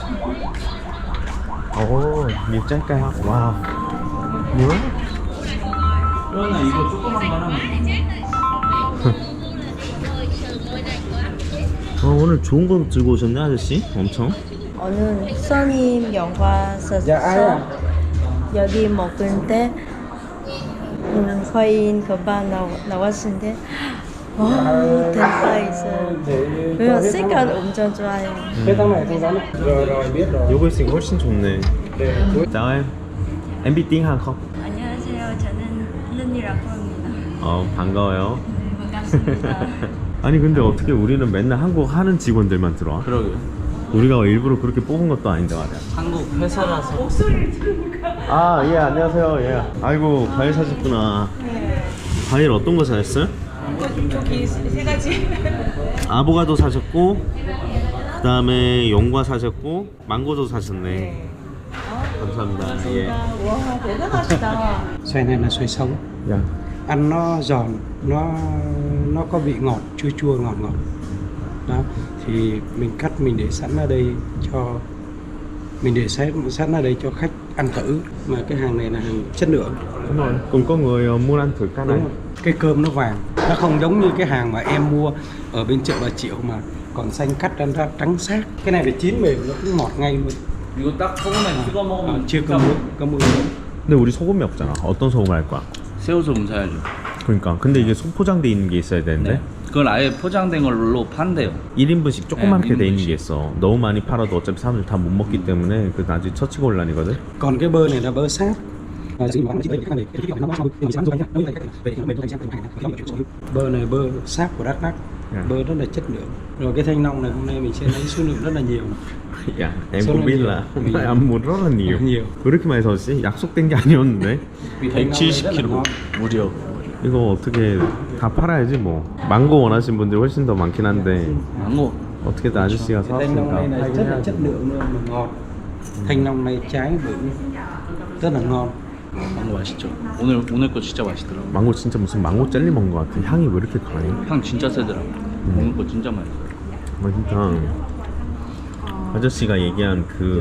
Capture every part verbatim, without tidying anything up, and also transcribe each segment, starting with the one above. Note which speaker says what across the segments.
Speaker 1: 오, nhiều trái cao. Wow. nhiều lắm.
Speaker 2: 그러나 이거 조그만 거는
Speaker 1: 어, 오늘 좋은 거 들고 오셨네 아저씨? 엄청.
Speaker 3: 오늘 손님 영화 썼어. 여기 먹는데 음, 거의 금방 나와, 나왔는데 와 대박 있어요. 그리고 색깔 엄청 좋아요.
Speaker 1: 요거 있으니까 훨씬 좋네. chào em. Em biết tiếng Hàn không?
Speaker 3: 안녕하세요. 저는 른이라고 합니다.
Speaker 1: 어, 반가워요.
Speaker 3: 네, 반갑습니다.
Speaker 1: 아니 근데 어떻게 우리는 맨날 한국 하는 직원들만 들어와?
Speaker 2: 그러게요.
Speaker 1: 우리가 일부러 그렇게 뽑은 것도 아닌데 말이야.
Speaker 2: 한국 회사라서.
Speaker 1: 아, 예, 안녕하세요. 예. 아이고, 과일 사셨구나. 과일 어떤 거 사셨어요?
Speaker 4: 저기 세 가지.
Speaker 1: 아보가도 사셨고, 그 다음에 용과 사셨고, 망고도 사셨네. 감사합니다. 예.
Speaker 4: 와 대단하시다.
Speaker 5: Xoài này là xoài sống,
Speaker 1: 야.
Speaker 5: ăn nó giòn, nó nó có vị ngọt, chua chua ngọt ngọt. Đó, thì mình cắt mình để sẵn ở đây cho mình để sẵn sẵn ở đây cho khách ăn thử. Mà cái hàng này là hàng chất lượng.
Speaker 1: Đúng rồi. Cũng có người muốn ăn thử cái này.
Speaker 5: Đúng rồi. Cái cơm nó vàng, nó không giống như cái hàng mà em mua ở bên chợ Bà Triệu mà còn xanh cắt ăn ra trắng xác. Cái này phải chín mềm nó cũng ngọt ngay luôn.
Speaker 2: 이거 딱 소금에 찍어
Speaker 5: À,
Speaker 2: 먹으면
Speaker 5: chưa có muối, có muối.
Speaker 1: 근데 우리 소금이 없잖아. 어떤 소금 할 거야?
Speaker 2: 새우소금 사야죠.
Speaker 1: 그러니까. 근데 이게 소포장돼 있는 게 있어야 되는데.
Speaker 2: 네. 그건 아예 포장된 걸로 판대요.
Speaker 1: 일 인분씩 조그맣게
Speaker 2: 네,
Speaker 1: 돼 있는
Speaker 2: 일 인분씩.
Speaker 1: 게 있어. 너무 많이 팔아도 어차피 사람들 다 못 먹기 때문에 그 나중에 처치곤란이거든.
Speaker 5: Còn cái bơ này là bơ sáp. Và chỉ có chỉ về cái này, cái cái nó xong thì sáng rồi nhá. Đối với cái về nó mềm sang hàng này. Bơ này bơ sáp của Đắk Lắk.
Speaker 1: Yeah.
Speaker 5: Bơ rất là chất lượng. Rồi cái thanh long này hôm nay mình sẽ lấy số lượng rất là nhiều.
Speaker 1: 야, em
Speaker 5: số
Speaker 1: cũng
Speaker 5: lượng
Speaker 1: biết
Speaker 5: nhiều.
Speaker 1: là
Speaker 5: Vì-
Speaker 1: ăn muốn rất là nhiều.
Speaker 5: nhiều.
Speaker 1: 왜 이렇게 많이 사왔지? 약속된 게 아니었는데.
Speaker 2: 백칠십 킬로그램. 무려.
Speaker 1: 이거 어떻게 다 팔아야지 뭐. 망고 원하시는 분들이 훨씬 더 많긴 한데
Speaker 2: 망고.
Speaker 1: 어떻게든 아저씨가
Speaker 5: Cái thanh long này
Speaker 1: 사왔으니까.
Speaker 5: là rất là chất lượng luôn mà ngọt. Thanh long này trái bự rất là ngon.
Speaker 2: 망고 맛있죠. 오늘 오늘 거 진짜 맛있더라고.
Speaker 1: 망고 진짜 무슨 망고 젤리 먹은 것 같아. 향이 왜 이렇게 강해?
Speaker 2: 향 진짜 세더라고. 오늘 거 진짜 맛있어.
Speaker 1: 아, 진짜 아저씨가 얘기한 그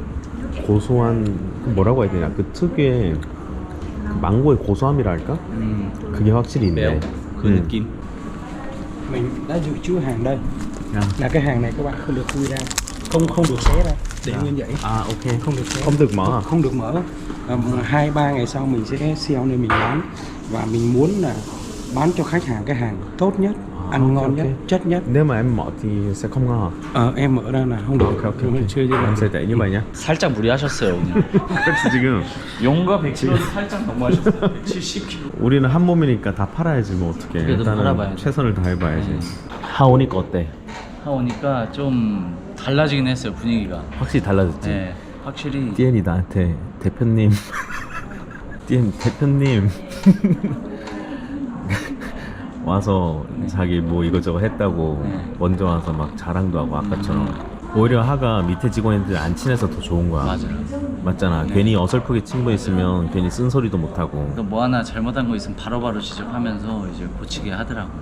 Speaker 1: 고소한 그 뭐라고 해야 되냐? 그 특유의 그 망고의 고소함이라 할까?
Speaker 2: 음,
Speaker 1: 그게 확실히 있네.
Speaker 2: 매워. 그
Speaker 1: 음.
Speaker 2: 느낌.
Speaker 5: Mình đã dự trữ hàng đây.
Speaker 1: 야.
Speaker 5: Là cái hàng này các bạn không được khui ra, không không được xé ra, để nguyên vậy.
Speaker 1: 아, 오케이.
Speaker 5: Không được xé.
Speaker 1: không được mở.
Speaker 5: Không được mở. À, hai ba ngày sau mình sẽ xeo nên mình bán và mình muốn là bán cho khách hàng cái hàng tốt nhất,
Speaker 1: À,
Speaker 5: ăn
Speaker 1: ok,
Speaker 5: ngon
Speaker 1: ok.
Speaker 5: nhất, chất nhất.
Speaker 1: Nếu mà em mở thì sẽ không ngon.
Speaker 5: Ờ, em mở ra là không được.
Speaker 1: Ok, ok, ok.
Speaker 5: Chưa chưa
Speaker 1: em sẽ để như vậy nhé.
Speaker 2: 살짝 무리하셨어요 오늘.
Speaker 1: 그렇지 지금
Speaker 2: 용과 백 킬로그램 살짝 너무하셨어요. 백칠십 킬로그램.
Speaker 1: 우리는 한 몸이니까 다 팔아야지 뭐 어떻게.
Speaker 2: 그래도
Speaker 1: 일단은
Speaker 2: 팔아봐야지.
Speaker 1: 최선을 다해봐야지.
Speaker 2: 네.
Speaker 1: 하오니까 어때?
Speaker 2: 하오니까 좀 달라지긴 했어요 분위기가.
Speaker 1: 확실히 달라졌지.
Speaker 2: 네, 확실히.
Speaker 1: 띠엔이 나한테 대표님, 띠엔 대표님 와서 자기 뭐 이거저거 했다고
Speaker 2: 네.
Speaker 1: 먼저 와서 막 자랑도 하고 아까처럼. 오히려 하가 밑에 직원들 안 친해서 더 좋은 거야.
Speaker 2: 맞아요.
Speaker 1: 맞잖아. 괜히 어설프게 친구 있으면 괜히 쓴소리도 못 하고.
Speaker 2: 그러니까 뭐 하나 잘못한 거 있으면 바로바로 지적하면서 이제 고치게 하더라고요.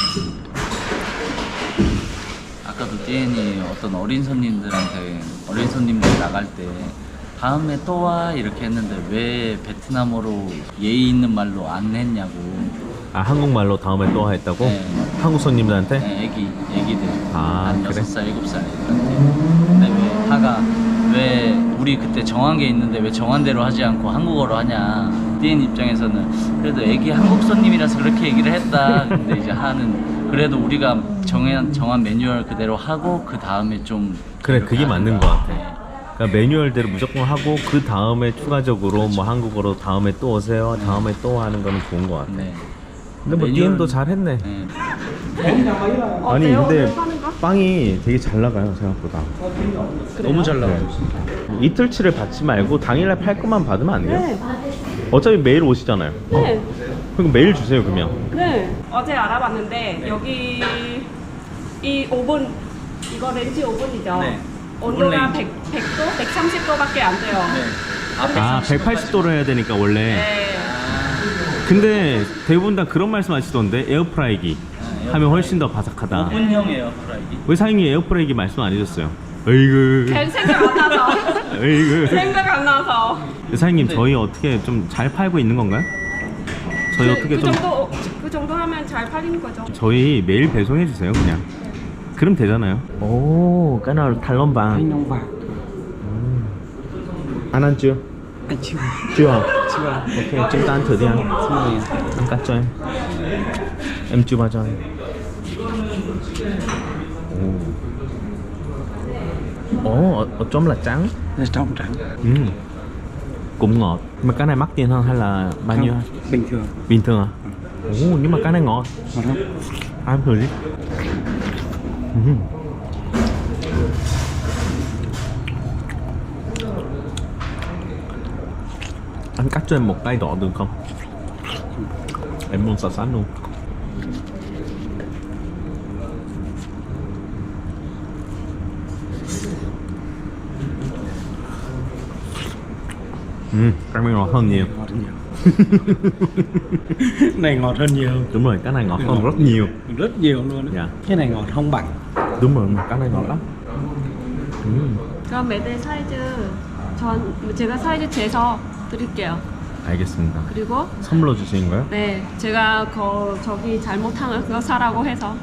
Speaker 2: 아까도 띠엔이 어떤 어린 손님들한테 어린 손님들 나갈 때 다음에 또 와 이렇게 했는데 왜 베트남어로 예의 있는 말로 안 했냐고.
Speaker 1: 아, 한국말로 다음에 또 했다고?
Speaker 2: 네.
Speaker 1: 한국 손님들한테?
Speaker 2: 네, 애기 애기들
Speaker 1: 아,
Speaker 2: 한
Speaker 1: 그래?
Speaker 2: 여섯 살 일곱 살 애들한테. 근데 왜 하가 왜 우리 그때 정한 게 있는데 왜 정한 대로 하지 않고 한국어로 하냐. 띠엔 입장에서는 그래도 애기 한국 손님이라서 그렇게 얘기를 했다. 근데 이제 하는 그래도 우리가 정한 정한 매뉴얼 그대로 하고 그 다음에 좀
Speaker 1: 그래,
Speaker 2: 이렇게
Speaker 1: 그게 맞는
Speaker 2: 하든가.
Speaker 1: 것 같아.
Speaker 2: 네.
Speaker 1: 그러니까 매뉴얼대로 무조건 하고 그 다음에 추가적으로 뭐 한국어로 다음에 또 오세요. 다음에 또 하는 거는 좋은 것 같아.
Speaker 2: 네.
Speaker 1: 근데 뭐
Speaker 2: 매뉴얼-
Speaker 1: 띠엔도 잘했네.
Speaker 2: 네.
Speaker 1: 아니 근데 빵이 되게 잘 나가요 생각보다.
Speaker 2: 너무 잘 나와요.
Speaker 1: 이틀치를 받지 말고 당일날 팔 것만 받으면 안 돼요?
Speaker 4: 네.
Speaker 1: 어차피 매일 오시잖아요.
Speaker 4: 네.
Speaker 1: 그럼 매일 주세요 그러면.
Speaker 4: 네. 어제 알아봤는데 여기 이 오븐 이거 렌지 오븐이죠.
Speaker 2: 네.
Speaker 4: 온도가
Speaker 2: 오븐 렌지.
Speaker 4: 백, 백 도, 백삼십 도밖에 안 돼요.
Speaker 2: 네.
Speaker 1: 아 백팔십 도로 해야 되니까 원래.
Speaker 4: 네.
Speaker 1: 근데 대부분 다 그런 말씀 하시던데 에어프라이기
Speaker 2: 네,
Speaker 1: 하면 훨씬 더 바삭하다.
Speaker 2: 오븐형이에요 프라이기.
Speaker 1: 왜 사장님이 에어프라이기 말씀 안 해줬어요? 으이그.
Speaker 4: 걔 생각 안 나서.
Speaker 1: 으이그.
Speaker 4: 생각 안 나서.
Speaker 1: 사장님
Speaker 2: 네.
Speaker 1: 저희 어떻게 좀 잘 팔고 있는 건가요? 저희
Speaker 4: 그,
Speaker 1: 어떻게
Speaker 4: 그
Speaker 1: 좀
Speaker 4: 정도 그 정도 하면 잘 팔리는 거죠.
Speaker 1: 저희 매일 배송해 주세요 그냥. 그럼 되잖아요. 오, cái nào Thái Long vàng.
Speaker 5: Thanh long vàng.
Speaker 1: Ăn ăn chưa?
Speaker 5: Anh chưa.
Speaker 1: Chưa à?
Speaker 5: Chưa.
Speaker 1: Ok, chúng ta ăn thử đi ăn. Ăn cắt cho em. Em chưa bao giờ ăn. Ồ, Ồ ở, ở trong là trắng.
Speaker 5: Là trong trắng.
Speaker 1: Ừ. Cũng ngọt. Mà cái này mắc tiền hơn hay là bao nhiêu?
Speaker 5: Không, bình thường.
Speaker 1: Bình thường à? Ồ, nhưng mà cái này ngọt.
Speaker 5: Ngọt không?
Speaker 1: Ăn thử đi. Ừ. Anh cắt cho em một tay đỏ được không? Em muốn xả xán luôn. Ừ, cái này ngọt hơn nhiều.
Speaker 5: Ngọt hơn nhiều. Này ngọt hơn nhiều.
Speaker 1: Đúng rồi, cái này ngọt hơn rất nhiều.
Speaker 5: Rất nhiều luôn.
Speaker 1: Dạ.
Speaker 5: Cái này ngọt không bằng.
Speaker 1: Đúng rồi, cái này ngọt lắm. Ừ.
Speaker 4: 그럼 매대 사이즈 전 제가 사이즈 재서 드릴게요.
Speaker 1: 알겠습니다.
Speaker 4: 그리고
Speaker 1: 선물로 주시는 거예요?
Speaker 4: 네, 제가 거 저기 잘못한 거 사라고 해서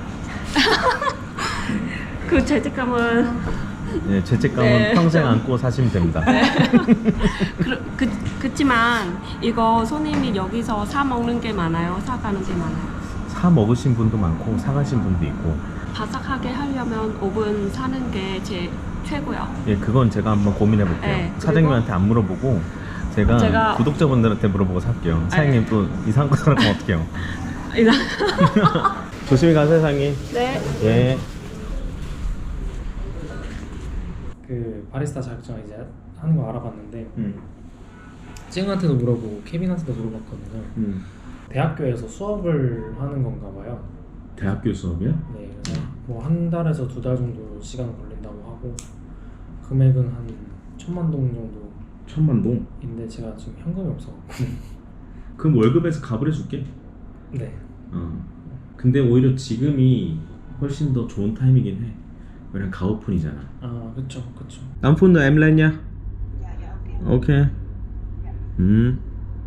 Speaker 4: 그 죄책감은
Speaker 1: 네, 죄책감은
Speaker 4: 네.
Speaker 1: 평생 안고 사시면 됩니다.
Speaker 4: 그, 그, 그치만 이거 손님이 여기서 사 먹는 게 많아요. 사 가는 게 많아요.
Speaker 1: 사 먹으신 분도 많고 사가신 분도 있고.
Speaker 4: 바삭하게 하려면 오븐 사는 게 제 최고요.
Speaker 1: 예, 그건 제가 한번 고민해 볼게요.
Speaker 4: 네,
Speaker 1: 사장님한테 안 물어보고 제가,
Speaker 4: 제가-
Speaker 1: 구독자분들한테 물어보고 살게요. 사장님 또 이상한 거 사면 어떡해요? 조심히 가세요, 사장님.
Speaker 4: 네.
Speaker 1: 예.
Speaker 6: 그 바리스타 자격증 이제 하는 거 알아봤는데
Speaker 1: 음.
Speaker 6: 찡한테도 물어보고 케빈한테도 물어봤거든요.
Speaker 1: 음.
Speaker 6: 대학교에서 수업을 하는 건가 봐요.
Speaker 1: 대학교 수업이요?
Speaker 6: 네, 그래서 뭐 한 달에서 두 달 정도 시간 걸린다고 하고 금액은 한 천만 동 정도.
Speaker 1: 천만 동.
Speaker 6: 인데 제가 지금 현금이 없어갖고.
Speaker 1: 그럼 월급에서 값을 해줄게.
Speaker 6: 네.
Speaker 1: 어. 근데 오히려 지금이 훨씬 더 좋은 타이밍이긴 해. 왜냐면 가오픈이잖아.
Speaker 6: 아, 그쵸, 그쵸.
Speaker 1: năm phút nữa em lên nha. Ok. Ừ.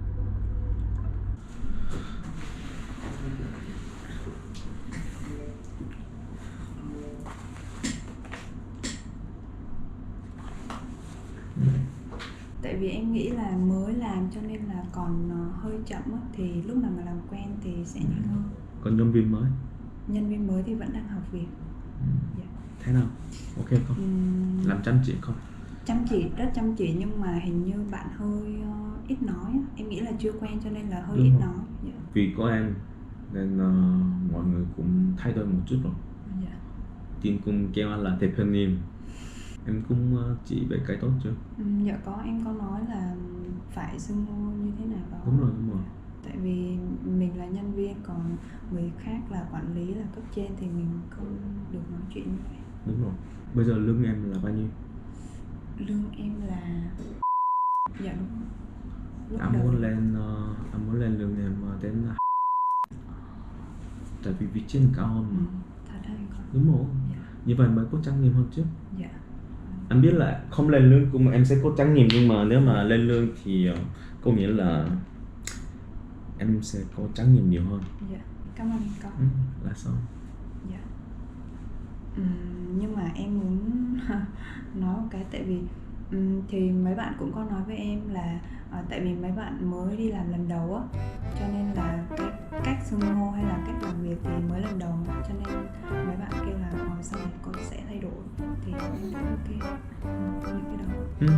Speaker 7: Tại vì em nghĩ là mới làm cho nên là còn ờ, hơi chậm á, thì lúc nào mà làm quen thì sẽ nhanh hơn.
Speaker 1: Còn nhân viên mới.
Speaker 7: Nhân viên mới thì vẫn đang học việc. Dạ.
Speaker 1: Thế nào? Ok không?
Speaker 7: Ừm,
Speaker 1: Làm chăm chỉ không?
Speaker 7: chăm chỉ, rất chăm chỉ nhưng mà hình như bạn hơi ờ, ít nói á. Em nghĩ là chưa quen cho nên là hơi
Speaker 1: Đúng
Speaker 7: ít
Speaker 1: rồi.
Speaker 7: nói. Dạ.
Speaker 1: Vì có em nên ờ, mọi người cũng thay đổi một chút rồi.
Speaker 7: Dạ.
Speaker 1: Tin cũng kêu anh là 대표님. Em cũng ờ, chỉ về cái tốt chưa?
Speaker 7: Ừm, dạ có, em có nói là phải xưng hô như thế nào đó.
Speaker 1: Đúng rồi, đúng rồi.
Speaker 7: Tại vì mình là nhân viên, còn người khác là quản lý, là cấp trên thì mình không được nói chuyện như vậy.
Speaker 1: Đúng rồi. Bây giờ lương em là bao nhiêu?
Speaker 7: Lương em là dạ đúng rồi. Lúc
Speaker 1: Anh
Speaker 7: đầu
Speaker 1: muốn lên ờ, anh muốn lên lương em ờ, đến tại vì vị trí cao hơn
Speaker 7: ừ,
Speaker 1: mà.
Speaker 7: thật hay không?
Speaker 1: Đúng rồi.
Speaker 7: Dạ.
Speaker 1: Như vậy mới có trách nhiệm hơn chứ.
Speaker 7: Dạ.
Speaker 1: Anh biết là không lên lương cũng em sẽ có trách nhiệm, nhưng mà nếu mà lên lương thì ờ, có nghĩa là em sẽ có trách nhiệm nhiều hơn.
Speaker 7: Dạ. Cảm ơn anh con.
Speaker 1: Ừ, là sao?
Speaker 7: Dạ. Ừm, nhưng mà em muốn nói một cái, tại vì ừm, thì mấy bạn cũng có nói với em là ờ, tại vì mấy bạn mới đi làm lần đầu á, cho nên là cái cách xưng hô hay là cách làm việc thì mới lần đầu, cho nên mấy bạn kêu là ờ, sau này con sẽ thay đổi, thì em thấy ok. Ừ, những cái đó.
Speaker 1: Ừ.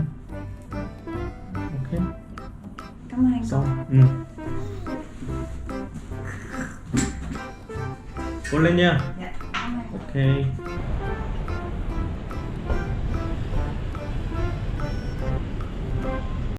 Speaker 1: Ok.
Speaker 7: Cảm ơn anh
Speaker 1: Xong.
Speaker 7: con.
Speaker 1: Ừ. Cố lên nha.
Speaker 7: Dạ. Cảm ơn.
Speaker 1: Ok.